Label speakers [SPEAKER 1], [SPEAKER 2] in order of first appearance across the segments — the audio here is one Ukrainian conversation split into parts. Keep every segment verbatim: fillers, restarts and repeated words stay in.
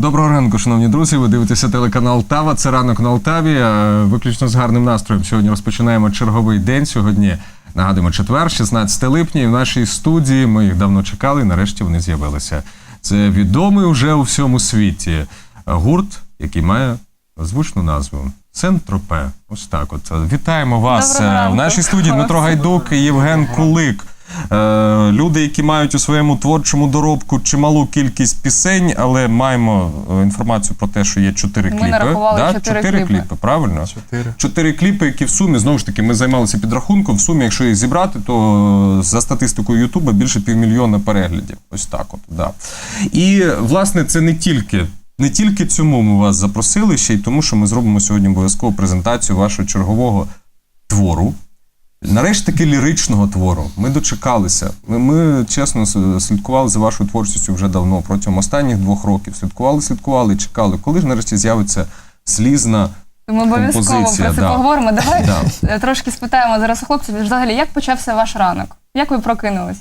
[SPEAKER 1] Доброго ранку, шановні друзі. Ви дивитеся телеканал Тава. Це ранок на Алтаві. Виключно з гарним настроєм. Сьогодні розпочинаємо черговий день. Сьогодні, нагадуємо, четвер, шістнадцяте липня. І в нашій студії ми їх давно чекали, і нарешті вони з'явилися. Це відомий уже у всьому світі гурт, який має звучну назву Сен-Тропе. Ось так от. Вітаємо вас в нашій студії. Дмитро Гайдук і Євген Кулик. Люди, які мають у своєму творчому доробку чималу кількість пісень, але маємо інформацію про те, що є чотири кліпи.
[SPEAKER 2] Ми нарахували
[SPEAKER 1] да?
[SPEAKER 2] чотири,
[SPEAKER 1] чотири
[SPEAKER 2] кліпи.
[SPEAKER 1] кліпи, правильно?
[SPEAKER 3] Чотири.
[SPEAKER 1] Чотири кліпи, які в сумі, знову ж таки, ми займалися підрахунком, в сумі, якщо їх зібрати, то за статистикою Ютуба більше півмільйона переглядів. Ось так от, да. І, власне, це не тільки Не тільки цьому ми вас запросили, ще й тому, що ми зробимо сьогодні обов'язково презентацію вашого чергового твору. Нарешті таки ліричного твору. Ми дочекалися. Ми, ми, чесно, слідкували за вашою творчістю вже давно, протягом останніх двох років. Слідкували, слідкували і чекали, коли ж нарешті з'явиться слізна
[SPEAKER 2] Ми обов'язково про це
[SPEAKER 1] да.
[SPEAKER 2] поговоримо. Давай
[SPEAKER 1] да.
[SPEAKER 2] трошки спитаємо зараз у хлопців, взагалі, як почався ваш ранок? Як ви прокинулись?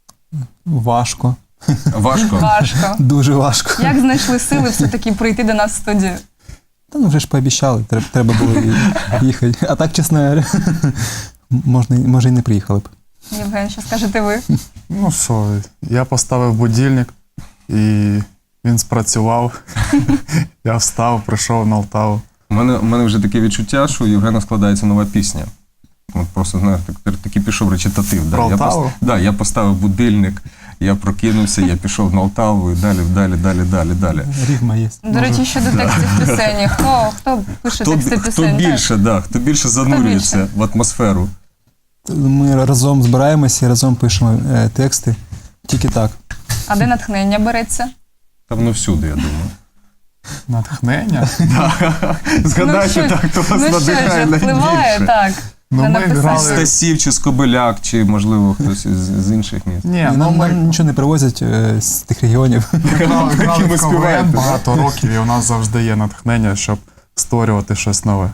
[SPEAKER 3] Важко.
[SPEAKER 1] Важко?
[SPEAKER 2] Важко.
[SPEAKER 3] Дуже важко.
[SPEAKER 2] Як знайшли сили все-таки прийти до нас в студію?
[SPEAKER 3] Та ну вже ж пообіцяли, треба, треба було їхати. А так, чесно говоря, можна, може і не приїхали б.
[SPEAKER 2] Євген, що скажете ви?
[SPEAKER 4] Ну що, я поставив будильник і він спрацював. Я встав, прийшов на Алтаву.
[SPEAKER 1] У мене, у мене вже таке відчуття, що у Євгена складається нова пісня. От просто, знаєте, так, такий пішов речитатив. Да.
[SPEAKER 4] Про
[SPEAKER 1] Я,
[SPEAKER 4] Алтаву?
[SPEAKER 1] пос... да, я поставив будильник, я прокинувся, я пішов на Алтаву і далі, далі, далі, далі, далі.
[SPEAKER 3] Рівма є.
[SPEAKER 2] До речі, щодо текстів пісені. Хто, хто пише
[SPEAKER 1] Хто,
[SPEAKER 2] тексти
[SPEAKER 1] хто
[SPEAKER 2] пісень?
[SPEAKER 1] більше, да, хто більше занурюється
[SPEAKER 2] більше?
[SPEAKER 1] в атмосферу?
[SPEAKER 3] Ми разом збираємося і разом пишемо е, тексти. Тільки так.
[SPEAKER 2] А де натхнення береться?
[SPEAKER 1] Там воно всюди, я думаю.
[SPEAKER 4] Натхнення?
[SPEAKER 1] Згадайте,
[SPEAKER 2] ну,
[SPEAKER 1] так, хто вас
[SPEAKER 2] ну,
[SPEAKER 1] надихає
[SPEAKER 2] що ж, впливає,
[SPEAKER 1] найбільше.
[SPEAKER 2] так.
[SPEAKER 4] Ну,
[SPEAKER 2] на
[SPEAKER 4] ми
[SPEAKER 2] написання.
[SPEAKER 4] грали-
[SPEAKER 1] Стасів чи Скобеляк, чи, можливо, хтось із, з інших міст.
[SPEAKER 4] Ні,
[SPEAKER 3] І
[SPEAKER 4] ну
[SPEAKER 3] нам,
[SPEAKER 4] ми
[SPEAKER 3] нам нічого не привозять е, з тих регіонів.
[SPEAKER 4] грали, грали
[SPEAKER 1] Які ви
[SPEAKER 4] в
[SPEAKER 1] співаєте,
[SPEAKER 4] КВН
[SPEAKER 1] да?
[SPEAKER 4] багато років, і у нас завжди є натхнення, щоб створювати щось нове.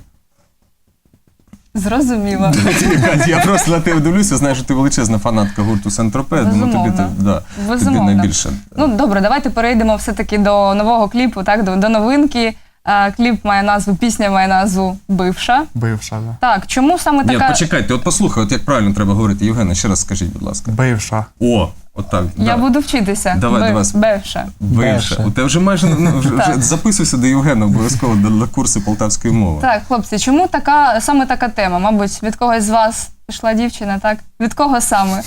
[SPEAKER 2] Зрозуміло.
[SPEAKER 1] Я просто на тебе дивлюся, знаю, що ти величезна фанатка гурту Сен-Тропе, тому тобі,
[SPEAKER 2] Безумовно.
[SPEAKER 1] да, тобі
[SPEAKER 2] Безумовно.
[SPEAKER 1] найбільше.
[SPEAKER 2] Ну, добре, давайте перейдемо все-таки до нового кліпу, так, до, до новинки. А, кліп має назву, пісня має назву «Бивша».
[SPEAKER 4] Бивша, да.
[SPEAKER 2] Так, чому саме
[SPEAKER 1] Ні,
[SPEAKER 2] така...
[SPEAKER 1] почекайте, от послухай, от як правильно треба говорити. Євгена, ще раз скажіть, будь ласка.
[SPEAKER 4] Бивша.
[SPEAKER 1] О, отак.
[SPEAKER 2] Я
[SPEAKER 1] да.
[SPEAKER 2] буду вчитися.
[SPEAKER 1] Давай,
[SPEAKER 2] Бив-
[SPEAKER 1] давай.
[SPEAKER 2] «Бивша».
[SPEAKER 1] Бивше.
[SPEAKER 3] Бивше.
[SPEAKER 1] У тебе вже майже ну, вже, вже
[SPEAKER 2] Так.
[SPEAKER 1] записуйся до Євгена обов'язково до- на курси полтавської мови.
[SPEAKER 2] Так, хлопці, чому така, саме така тема? Мабуть, від когось з вас пішла дівчина, так? Від кого саме?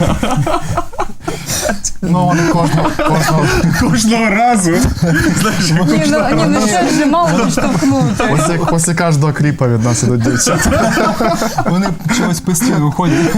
[SPEAKER 4] Ну, вони кожного, кожного,
[SPEAKER 1] Кожного разу. Знаєш,
[SPEAKER 2] Ні, ну, ні, ну що ж, мало підштовхнути.
[SPEAKER 4] після, після кожного кліпа від нас ідуть дівчата.
[SPEAKER 3] Вони чогось постійно виходять.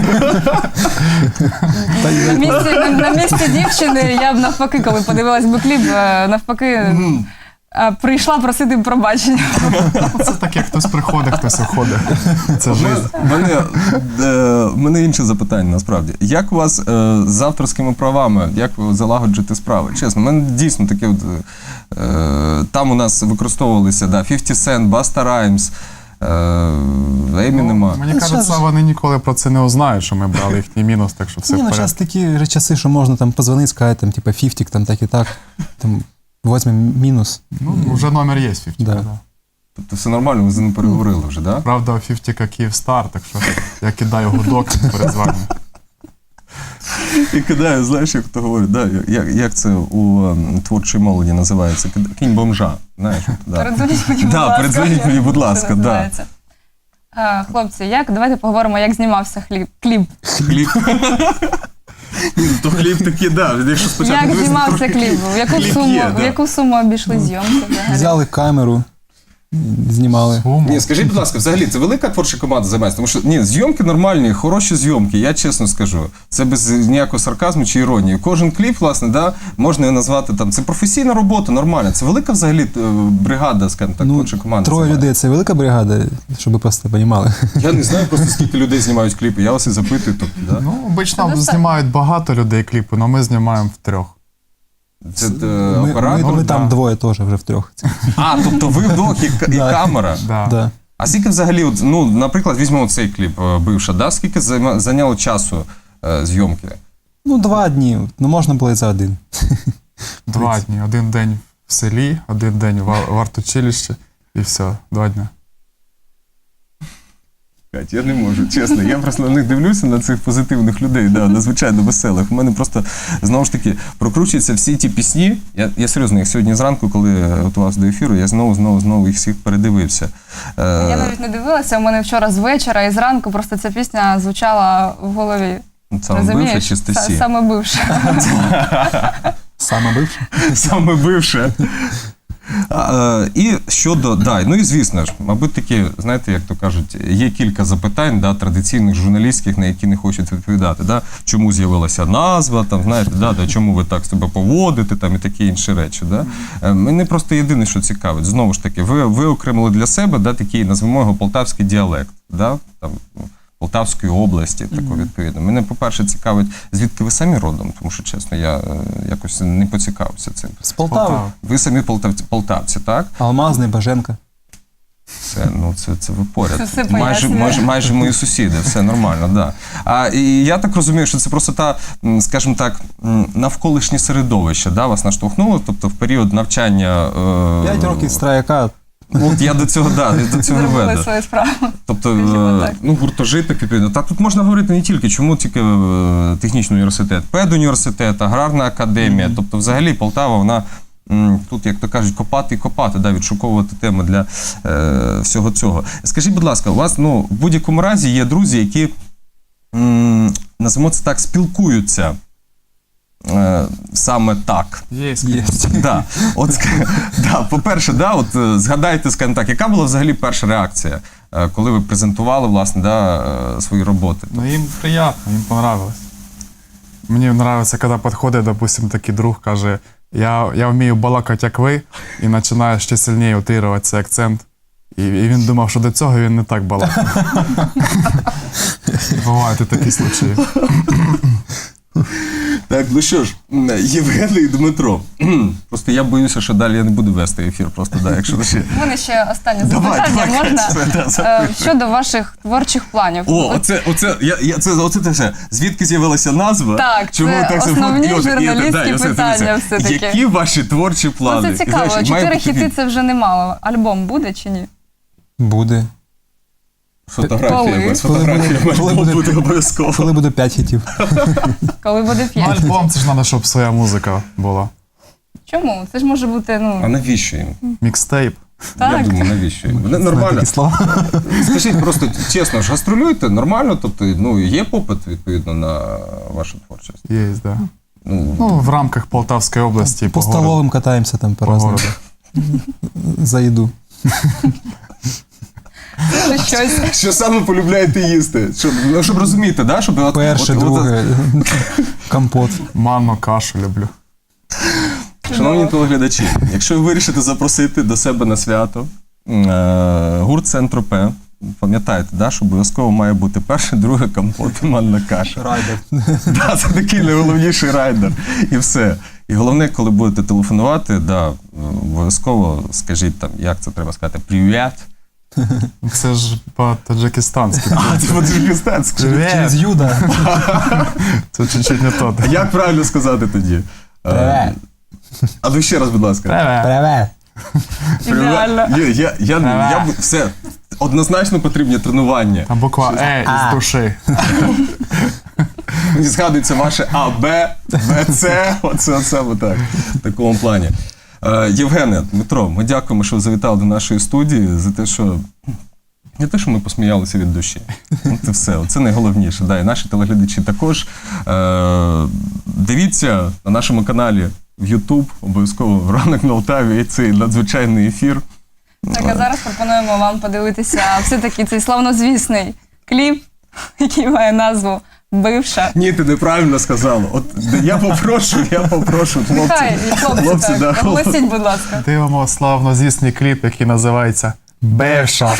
[SPEAKER 3] Та й-
[SPEAKER 2] На місці, на, на місці дівчини я б навпаки, коли подивилась би кліп, е, навпаки, е, прийшла просити пробачення.
[SPEAKER 4] Це таке, хтось приходить, хтось уходить. Це життя.
[SPEAKER 1] У мене, е, в мене інше запитання, насправді. Як у вас е, з авторськими правами, як ви залагоджуєте справи? Чесно, в мене дійсно таке, от, е, там у нас використовувалися да, фіфті Cent, Busta Rhymes, е, Емінема.
[SPEAKER 4] Ну, мені
[SPEAKER 3] Ну,
[SPEAKER 4] кажеться,
[SPEAKER 3] щас-
[SPEAKER 4] вони ніколи про це не узнають, що ми брали їхній мінус, так що все
[SPEAKER 3] Ні,
[SPEAKER 4] в
[SPEAKER 3] ну зараз
[SPEAKER 4] порядку.
[SPEAKER 3] такі же часи, що можна там позвонити, сказати, там, типа, фіфтік, там так і так. Там, візьмемо мінус.
[SPEAKER 4] Ну, вже номер є фіфті.
[SPEAKER 3] Да.
[SPEAKER 4] Да.
[SPEAKER 1] Тобто все нормально, ви з ним переговорили вже, да?
[SPEAKER 4] Правда, у Фіфтіка Київстар, так що я кидаю гудок перезвання.
[SPEAKER 1] І кидаю, знаєш, як то говорить, да, як, як це у ем, творчій молоді називається? Кид- Кінь бомжа, знаєш. от, Да.
[SPEAKER 2] Передзвоніть мені, будь
[SPEAKER 1] Да,
[SPEAKER 2] ласка.
[SPEAKER 1] передзвоніть мені, будь
[SPEAKER 2] Це
[SPEAKER 1] ласка, да.
[SPEAKER 2] називається. А, хлопці, як, давайте поговоримо, як знімався хліб, кліп.
[SPEAKER 1] Хліб. Ні, ну, то хліб такий, да. Якщо спочатку
[SPEAKER 2] Як
[SPEAKER 1] дивитися,
[SPEAKER 2] знімався
[SPEAKER 1] трошки
[SPEAKER 2] кліп? В яку
[SPEAKER 1] хліб
[SPEAKER 2] суму,
[SPEAKER 1] є,
[SPEAKER 2] в
[SPEAKER 1] да.
[SPEAKER 2] яку суму обійшли зйомки взагалі?
[SPEAKER 3] Взяли камеру, знімали.
[SPEAKER 4] Суму.
[SPEAKER 1] Ні, скажіть, будь ласка, взагалі, це велика творча команда займається? Тому що, ні, зйомки нормальні, хороші зйомки, я чесно скажу. Це без ніякого сарказму чи іронії. Кожен кліп, власне, да, можна його назвати, там, це професійна робота, нормальна. Це велика взагалі е, бригада, скажімо так,
[SPEAKER 3] Ну,
[SPEAKER 1] творча команда.
[SPEAKER 3] троє
[SPEAKER 1] займається.
[SPEAKER 3] людей – це велика бригада, щоб ви просто розуміли.
[SPEAKER 1] Я не знаю просто, скільки людей знімають кліпи, я вас і запитую. Тобто, да?
[SPEAKER 4] Ну, обично
[SPEAKER 2] Це
[SPEAKER 4] знімають багато людей кліпи, але ми знімаємо втрьох.
[SPEAKER 1] Це е,
[SPEAKER 3] Ми,
[SPEAKER 1] оператор?
[SPEAKER 3] ми, ми
[SPEAKER 4] да.
[SPEAKER 3] там двоє теж вже втрьох.
[SPEAKER 1] А, тобто ви вдвох і, к- і
[SPEAKER 3] Да.
[SPEAKER 1] камера.
[SPEAKER 4] Да.
[SPEAKER 3] Да.
[SPEAKER 1] А скільки взагалі, от, ну, наприклад, візьмемо цей кліп е, «Бивша», да? Скільки займа- зайняло часу е, зйомки?
[SPEAKER 3] Ну, два дні. Ну, можна було і за один.
[SPEAKER 4] Два дні, один день в селі, один день в, в артучилищі і все, два дні.
[SPEAKER 1] Кать, я не можу, чесно. Я просто на них дивлюся, на цих позитивних людей, да, надзвичайно веселих. У мене просто, знову ж таки, прокручуються всі ті пісні. Я, я серйозно, їх сьогодні зранку, коли готувався до ефіру, я знову, знову, знову їх всіх передивився. Е,
[SPEAKER 2] Я навіть не дивилася, у мене вчора з вечора і зранку просто ця пісня звучала в голові.
[SPEAKER 1] Саме бивше чи
[SPEAKER 2] Са-
[SPEAKER 1] Стасі?
[SPEAKER 2] Саме бивша.
[SPEAKER 3] Саме бивше?
[SPEAKER 1] Саме бивше. А, е, і щодо, да, ну і звісно ж, мабуть, такі, знаєте, як то кажуть, є кілька запитань, да, традиційних журналістських, на які не хочуть відповідати. Да? Чому з'явилася назва, там, знаєте, да, да, чому ви так себе поводите, там, і такі інші речі. Да? Е, Мене просто єдине, що цікавить, знову ж таки, ви, ви окремили для себе, да, такий, назвемо його, полтавський діалект, да? Там, Полтавської області, тако, відповідно. Мене, по-перше, цікавить, звідки ви самі родом, тому що, чесно, я е, якось не поцікавився цим.
[SPEAKER 3] З Полтави.
[SPEAKER 4] Полтава.
[SPEAKER 1] Ви самі полтавці, полтавці, так?
[SPEAKER 3] Алмазний, Баженка.
[SPEAKER 1] Це, ну, це, це ви поряд.
[SPEAKER 2] Це все
[SPEAKER 1] майже,
[SPEAKER 2] пояснює.
[SPEAKER 1] майже, майже мої сусіди, все нормально, да. А і я так розумію, що це просто та, м, скажімо так, м, навколишнє середовище, да, вас наштовхнуло, тобто в період навчання. Е,
[SPEAKER 3] П'ять років страяка.
[SPEAKER 1] От я до цього, да, я до цього
[SPEAKER 2] Зробили
[SPEAKER 1] веду.
[SPEAKER 2] свою справу.
[SPEAKER 1] Тобто,
[SPEAKER 2] Скажімо
[SPEAKER 1] е,
[SPEAKER 2] так.
[SPEAKER 1] ну, гуртожиток, відповідно. Так, тут можна говорити не тільки, чому тільки е, технічний університет, педуніверситет, аграрна академія. Mm-hmm. Тобто, взагалі, Полтава, вона м, тут, як то кажуть, копати і копати, да, відшуковувати теми для е, всього цього. Скажіть, будь ласка, у вас, ну, в будь-якому разі є друзі, які, м, назвемо це так, спілкуються е, саме так.
[SPEAKER 4] Є.
[SPEAKER 3] Є.
[SPEAKER 1] Да. От, ск- да, по-перше, да, от, е, згадайте, скажімо так, яка була взагалі перша реакція, е, коли ви презентували, власне, да, е, свої роботи?
[SPEAKER 4] Ну їм приємно, їм понравилось. Мені подобається, коли підходить, допустим, такий друг, каже, я, я вмію балакати, як ви, і починає ще сильніше утирувати цей акцент. І, і він думав, що до цього він не так балакав. Бувають і такі случаї.
[SPEAKER 1] Так, ну що ж, Євген і Дмитро. Просто я боюся, що далі я не буду вести ефір, просто, да, якщо ще...
[SPEAKER 2] У мене ще останнє
[SPEAKER 1] Давай,
[SPEAKER 2] запитання
[SPEAKER 1] давай,
[SPEAKER 2] можна?
[SPEAKER 1] Катя, да,
[SPEAKER 2] Е,
[SPEAKER 1] запитуй.
[SPEAKER 2] Щодо ваших творчих планів.
[SPEAKER 1] О,
[SPEAKER 2] От
[SPEAKER 1] оце, оце, я, я, це, оце те все. Звідки з'явилася назва?
[SPEAKER 2] Так,
[SPEAKER 1] Чому
[SPEAKER 2] це
[SPEAKER 1] ви так себе-
[SPEAKER 2] основні
[SPEAKER 1] І от- і от-
[SPEAKER 2] журналістські
[SPEAKER 1] да, і оце,
[SPEAKER 2] питання
[SPEAKER 1] дивіться,
[SPEAKER 2] все-таки.
[SPEAKER 1] Які ваші творчі плани?
[SPEAKER 2] Ну, це
[SPEAKER 1] І,
[SPEAKER 2] цікаво.
[SPEAKER 1] знаєш, має
[SPEAKER 2] Чотири
[SPEAKER 1] бути
[SPEAKER 2] хіти
[SPEAKER 1] від-
[SPEAKER 2] це вже немало. Альбом буде чи ні?
[SPEAKER 3] Буде.
[SPEAKER 1] Фотографія,
[SPEAKER 2] Коли?
[SPEAKER 1] без
[SPEAKER 3] Коли
[SPEAKER 1] фотографії
[SPEAKER 3] буде- коли
[SPEAKER 1] альбом
[SPEAKER 3] буде-
[SPEAKER 1] буде обов'язково.
[SPEAKER 3] Коли буде п'ять хітів?
[SPEAKER 2] Коли буде
[SPEAKER 4] Ну,
[SPEAKER 2] п'ять?
[SPEAKER 4] альбом, це ж треба, щоб своя музика була.
[SPEAKER 2] Чому? Це ж може бути,
[SPEAKER 1] А
[SPEAKER 2] ну,
[SPEAKER 1] навіщо їм?
[SPEAKER 4] Мікстейп.
[SPEAKER 1] Я
[SPEAKER 2] так.
[SPEAKER 1] думаю, навіщо їм? Вони
[SPEAKER 3] Знаю
[SPEAKER 1] нормально.
[SPEAKER 3] такі слова.
[SPEAKER 1] Скажіть просто чесно, ж гастролюєте нормально, тобто, ну, є попит, відповідно, на вашу творчість?
[SPEAKER 4] Є, да.
[SPEAKER 1] Ну,
[SPEAKER 4] Ну, в рамках Полтавської області.
[SPEAKER 3] По
[SPEAKER 4] городу.
[SPEAKER 3] столовим катаємося там по
[SPEAKER 4] По
[SPEAKER 3] разному.
[SPEAKER 4] городу.
[SPEAKER 3] За їду.
[SPEAKER 2] Це щось.
[SPEAKER 1] що саме полюбляєте їсти? Щоб, ну, щоб розуміти, да? Щоб, от,
[SPEAKER 3] Перше,
[SPEAKER 1] от- от-
[SPEAKER 3] друге, компот.
[SPEAKER 4] Манну, кашу люблю.
[SPEAKER 1] Шановні телеглядачі, якщо ви вирішите запросити до себе на свято е, гурт Сен-Тропе, пам'ятаєте, да, що обов'язково має бути перше, друге компот і манна каша.
[SPEAKER 3] Райдер.
[SPEAKER 1] Да, це такий найголовніший райдер. І все. І головне, коли будете телефонувати, да, обов'язково скажіть там, як це треба сказати, привіт.
[SPEAKER 4] Це ж по-таджикистанськи.
[SPEAKER 1] А, це по-таджикистанськи.
[SPEAKER 3] Через Юда.
[SPEAKER 4] Це чуть-чуть не то.
[SPEAKER 1] А як правильно сказати тоді? Е,
[SPEAKER 3] Привет.
[SPEAKER 1] А ну ще раз, будь ласка.
[SPEAKER 4] Привет.
[SPEAKER 3] Привет.
[SPEAKER 2] Ідеально.
[SPEAKER 1] Я, я, я, я, б- все, однозначно потрібні тренування.
[SPEAKER 4] Там буква Е
[SPEAKER 3] А.
[SPEAKER 4] із душі.
[SPEAKER 1] Мені згадується ваше А, Б, Б, С, оце, оце, отак, в такому плані. Е, Євгене, Дмитро, ми дякуємо, що ви завітали до нашої студії, за те, що не те, що ми посміялися від душі. Це все, це найголовніше. Да, і наші телеглядачі також. Е, дивіться на нашому каналі в YouTube, обов'язково «Ранок на Алтаві» і цей надзвичайний ефір.
[SPEAKER 2] Так, а зараз пропонуємо вам подивитися все-таки цей славнозвісний кліп, який має назву «Бивша».
[SPEAKER 1] Ні, ти неправильно сказала. От я попрошу, я попрошу, хлопці.
[SPEAKER 2] Хай, і хлопці,
[SPEAKER 1] Хлопці, да,
[SPEAKER 2] так,
[SPEAKER 1] хлопці.
[SPEAKER 2] оголосіть, будь ласка.
[SPEAKER 4] Дивимо славнозвісний кліп, який називається Бевша.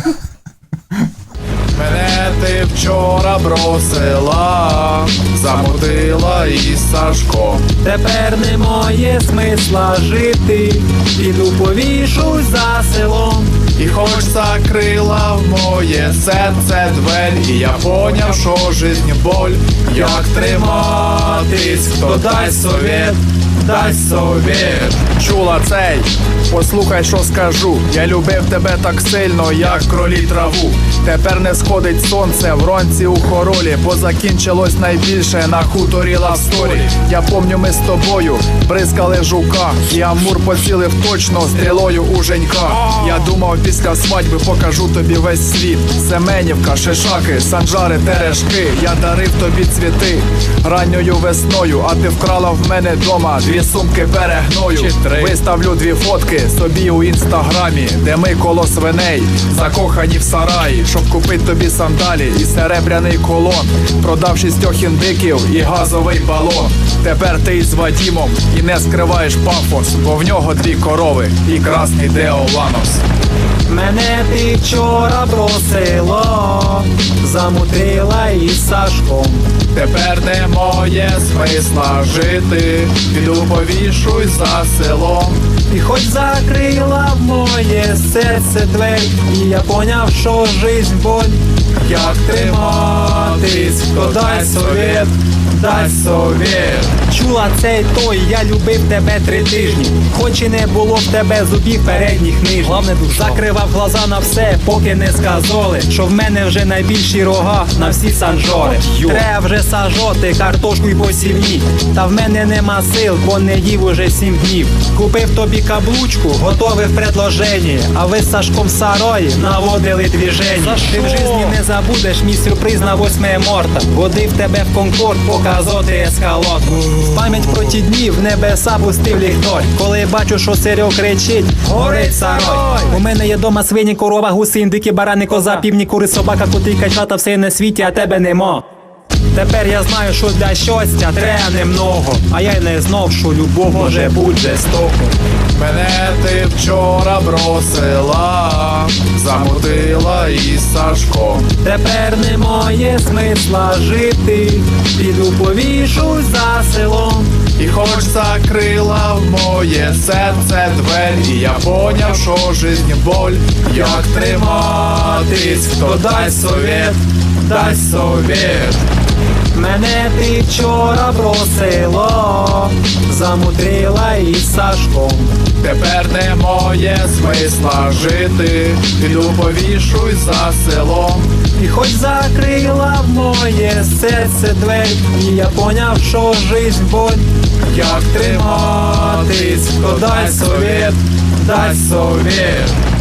[SPEAKER 4] Мене ти вчора бросила, замутила із Сашком.
[SPEAKER 5] Тепер немає смисла жити, піду повішусь за селом.
[SPEAKER 4] І хоч закрила в моє серце двері, і я поняв, що жизнь боль, як триматись, хто дасть совет.
[SPEAKER 5] дай совет.
[SPEAKER 6] Чула цей, послухай, що скажу. Я любив тебе так сильно, як кролі траву. Тепер не сходить сонце вранці у хоролі, бо закінчилось найбільше на хуторі лавсторі. Я помню, ми з тобою бризкали жука, і Амур поцілив точно стрілою у Женька. Я думав, після свадьби покажу тобі весь світ. Семенівка, шишаки, санжари, терешки. Я дарив тобі цвіти ранньою весною, а ти вкрала в мене дома дві сумки перегною. Виставлю дві фотки собі у інстаграмі, де ми коло свиней, закохані в сараї, щоб купить тобі сандалі і серебряний колон. Продав шістьох індиків і газовий балон. Тепер ти із Вадімом і не скриваєш пафос, бо в нього дві корови і красний Деоланос.
[SPEAKER 5] Мене ти вчора бросила, замутила із Сашком.
[SPEAKER 6] Тепер немає смисла жити, піду повішуй за селом.
[SPEAKER 5] І хоч закрила в моє серце двері, і я поняв, що жизнь боль.
[SPEAKER 6] Як триматись, хто дай совет, дай совет.
[SPEAKER 5] Чула цей той, я любив тебе три тижні, хоч і не було в тебе зубів передніх нижніх. Главне, закривав глаза на все, поки не сказали, що в мене вже найбільші рога на всі санжори. Треба вже сажоти картошку й посівні, та в мене нема сил, бо не їв уже сім днів. Купив тобі каблучку, готовий в предложенні, а ви з Сашком в сарої наводили двіження. Ти в житті не забудеш мій сюрприз на восьме марта. Водив тебе в Конкорд показати ескалот. В пам'ять про ті дні в небеса пустив ліхтар. Коли бачу, що Серьо кричить, горить сарой. У мене є дома свині, корова, гуси, індики, барани, коза, півні, кури, собака, коти, качата, все на світі, а тебе нема. Тепер я знаю, що для щастя треба немного, а я й не знав, що любов може бути жорстоко.
[SPEAKER 6] Мене ти вчора бросила, замутила із Сашком.
[SPEAKER 5] Тепер немає смисла жити, піду повішусь за селом.
[SPEAKER 6] І хоч закрила в моє серце двері, і я поняв, що жизнь боль. Як триматись, хто дай совет, дай совет.
[SPEAKER 5] Мене ти вчора бросила, замудрила із Сашком.
[SPEAKER 6] Тепер немає смисла жити, піду повішуй за селом.
[SPEAKER 5] І хоч закрила в моє серце двері, і я поняв, що жизнь боль.
[SPEAKER 6] Як триматись, хто дай совет, дай совет.